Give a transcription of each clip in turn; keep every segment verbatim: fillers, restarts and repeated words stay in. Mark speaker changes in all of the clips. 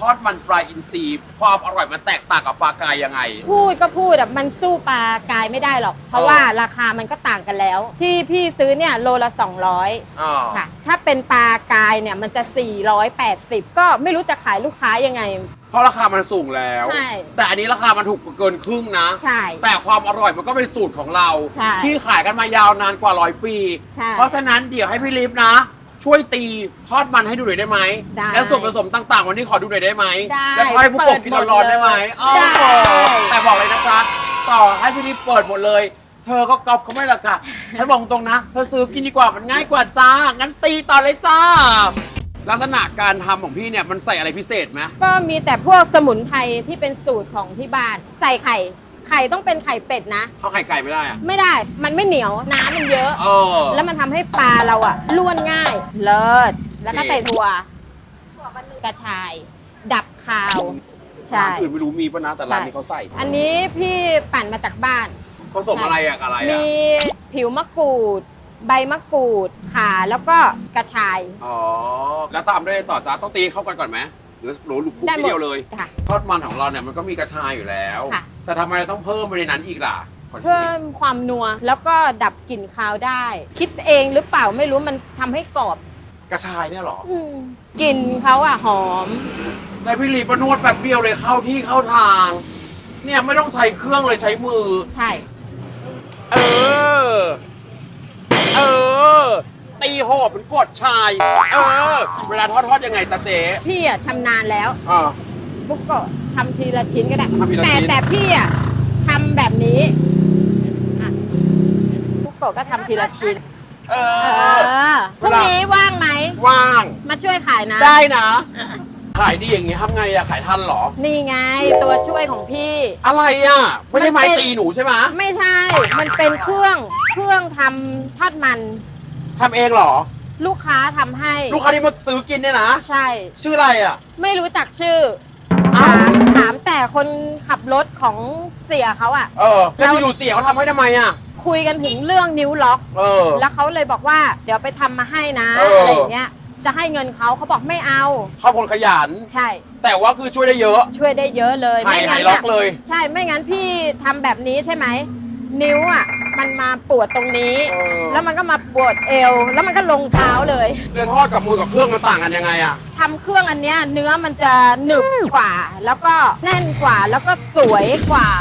Speaker 1: อดมันปลาอินทรีความอร่อยมันแตกต่างกับปลากายยังไง
Speaker 2: พูดก็พูดแบบมันสู้ปลากายไม่ได้หรอก เพราะว่าราคามันก็ต่างกันแล้ว ที่พี่ซื้อเนี่ยโลละสองร้อยค่ะถ้าเป็นปลากายเนี่ยมันจะสี่ร้อยแปดสิบก็ไม่รู้จะขายลูกค้ายังไง
Speaker 1: เพราะราคามันสูงแล้ว
Speaker 2: ใช่
Speaker 1: แต่อันนี้ราคามันถูกเกินครึ่งนะ
Speaker 2: ใช่
Speaker 1: แต่ความอร่อยมันก็เป็นสูตรของเราที่ขายกันมายาวนานกว่าร้อยปีเพราะฉะนั้นเดี๋ยวให้พี่ลิฟนะช่วยตีทอดมันให้ดูหน่อยได้ไหมและส่วนผสมต่างๆวันนี้ขอดูหน่อยได้ไหมแล้วให้ผู้ปกกินร้อนๆได้ไหมอ๋อแต่บอกเลยนะคะต่อให้พี่ลิฟเปิดหมดเลยเธอก็กอบเขาไม่ละค่ะฉันบอกตรงนะเธอซื้อกินดีกว่ามันง่ายกว่าจ้างั้นตีต่อเลยจ้าลักษณะการทำของพี่เนี่ยมันใส่อะไรพิเศษไหม
Speaker 2: ก็มีแต่พวกสมุนไพรที่เป็นสูตรของที่บ้านใส่ไข่ไข่ต้องเป็นไข่เป็ดนะ
Speaker 1: เขาไข่ไก่ไม่ได้อะ
Speaker 2: ไม่ได้มันไม่เหนียวน้ำมันเยอะ
Speaker 1: เออ
Speaker 2: แล้วมันทำให้ปลาเราอะล้วนง่ายเลิศแล้วก็ใส่ถั่วกระชายดับคาวใช่
Speaker 1: ร้านอื่นไม่รู้มีป่ะนะแต่ร้านนี้เขาใส่
Speaker 2: อันนี้พี่ปั่นมาจากบ้าน
Speaker 1: ผสมอะไรอะอะไรอะ
Speaker 2: มีผิวมะกรูดใบมะกรูดข่าแล้วก็กระชาย
Speaker 1: อ๋อแล้วตามด้วยต่อจ้าต้องตีเข้ากันก่อนไหมหรือหรือลุกคุกทีเดียวเลยทอดมันของเราเนี่ยมันก็มีกระชายอยู่แล้วแต่ทำไมเราต้องเพิ่มไปในนั้นอีกล่ะ
Speaker 2: เพิ่มความนัวแล้วก็ดับกลิ่นคาวได้ คิดเองหรือเปล่าไม่รู้มันทำให้กรอบ
Speaker 1: กระชายเนี่ยหร
Speaker 2: อกลิ่นเขาอะหอม
Speaker 1: ในพี่ลีประนวดแบบเดียวเลยเข้าที่เข้าทางเนี่ยไม่ต้องใช้เครื่องเลยใช้มือ
Speaker 2: ใช่
Speaker 1: เออเออตีโหดเป็นกดชายเออเวลาทอดทอดยังไงตาเจ๊
Speaker 2: พี่อะชำนาญแล้ว
Speaker 1: อ่า
Speaker 2: ปุ๊กก็ทำทีละชิ้นก็ได้แต่แต่พี่อะทำแบบนี้อ่ะปุ๊กก็ทำทีละชิ้น
Speaker 1: เอ
Speaker 2: อพรุ่งนี้ว่างไหม
Speaker 1: ว่าง
Speaker 2: มาช่วยขายนะ
Speaker 1: ได้นะขายดีอย่างงี้ทำไงอะขายทันหรอ
Speaker 2: นี่ไงตัวช่วยของพี่
Speaker 1: อะไรอะไม่ใช่ไม้ตีหนูใช่ไหม
Speaker 2: ไม่ใช่มันเป็นเครื่องเครื่องทำทอดมัน
Speaker 1: ทำเองเหรอ
Speaker 2: ลูกค้าทำให้
Speaker 1: ลูกค้าที่มาซื้อกินเนี่ยนะ
Speaker 2: ใช่
Speaker 1: ชื่ออะไรอะ
Speaker 2: ไม่รู้จักชื่อถามถามแต่คนขับรถของเสียเขาอะ
Speaker 1: เออแล้วอยู่เสียเขาทำให้ทำไมอะ
Speaker 2: คุยกันถึงเรื่องนิ้วล็อก
Speaker 1: เออ
Speaker 2: แล้วเขาเลยบอกว่าเดี๋ยวไปทำมาให้นะอะไรอย่างเงี้ยจะให้เงินเขาเขาบอกไม่เอา
Speaker 1: เขาคนขยัน
Speaker 2: ใช่
Speaker 1: แต่ว่าคือช่วยได้เยอะ
Speaker 2: ช่วยได้เยอะเลย
Speaker 1: ไม่งั้นล็อกเลย
Speaker 2: ใช่ไม่งั้นพี่ทำแบบนี้ใช่ไหมนิ้วอ่ะมันมาปวดตรงนี้แล้วมันก็มาปวดเอวแล้วมันก็ลงเท้าเลย
Speaker 1: เรื่องทอดกับมือกับเครื่องมันต่างกันยังไงอะ
Speaker 2: ทำเครื่องอันเนี้ยเนื้อมันจะหนึบกว่าแล้วก็แน่นกว่าแล้วก็สวยกว่า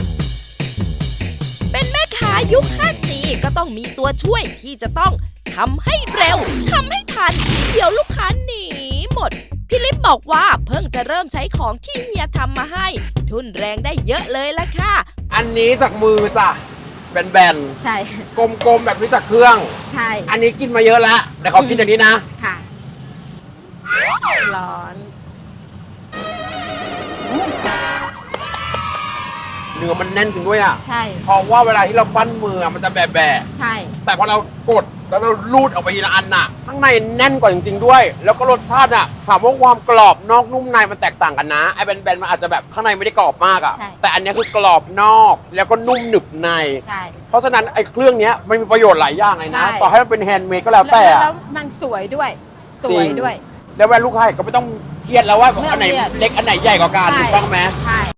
Speaker 3: เป็นแม่ค้ายุค ห้าจี ก็ต้องมีตัวช่วยที่จะต้องทำให้เร็วทำให้ทันเดี๋ยวลูกค้าหนีหมดพี่ลิฟบอกว่าเพิ่งจะเริ่มใช้ของที่เฮียทำมาให้ทุนแรงได้เยอะเลยละค่ะ
Speaker 1: อันนี้จากมือจ้ะแบน
Speaker 2: ๆใช่
Speaker 1: กลมๆแบบนี้จากเครื่อง
Speaker 2: ใช่
Speaker 1: อันนี้กินมาเยอะแล้วแต่เขากินอย่างนี้นะ
Speaker 2: ค่ะร้อน
Speaker 1: เนื้อมันแน่นจริงด้วยอ่ะ
Speaker 2: ใช่
Speaker 1: เพราะว่าเวลาที่เราปั้นมือมันจะแบะแบะ
Speaker 2: ใช่
Speaker 1: แต่พอเรากดแล้วเราลูดออกไปทีละอันน่ะข้างในแน่นกว่าจริงๆด้วยแล้วก็รสชาติอ่ะถามว่าความกรอบนอกนุ่มในมันแตกต่างกันนะไอ้แบนๆมันอาจจะแบบข้างในไม่ได้กรอบมากอ่ะแต่อันนี้คือกรอบนอกแล้วก็นุ่มหนึบใน
Speaker 2: ใช่
Speaker 1: เพราะฉะนั้นไอ้เครื่องนี้มันมีประโยชน์หลายอย่างเลยนะต่อให้มันเป็นแฮนด์เมดก็แล้วแต่
Speaker 2: แล้วมันสวยด้วยสวยด้วย
Speaker 1: แล้วเวลาลูกค้าก็ไม่ต้องเครียดแล้วว่าอันไหนเล็กอันไหนใหญ่กว่ากันถูกต้องไหม
Speaker 2: ใช่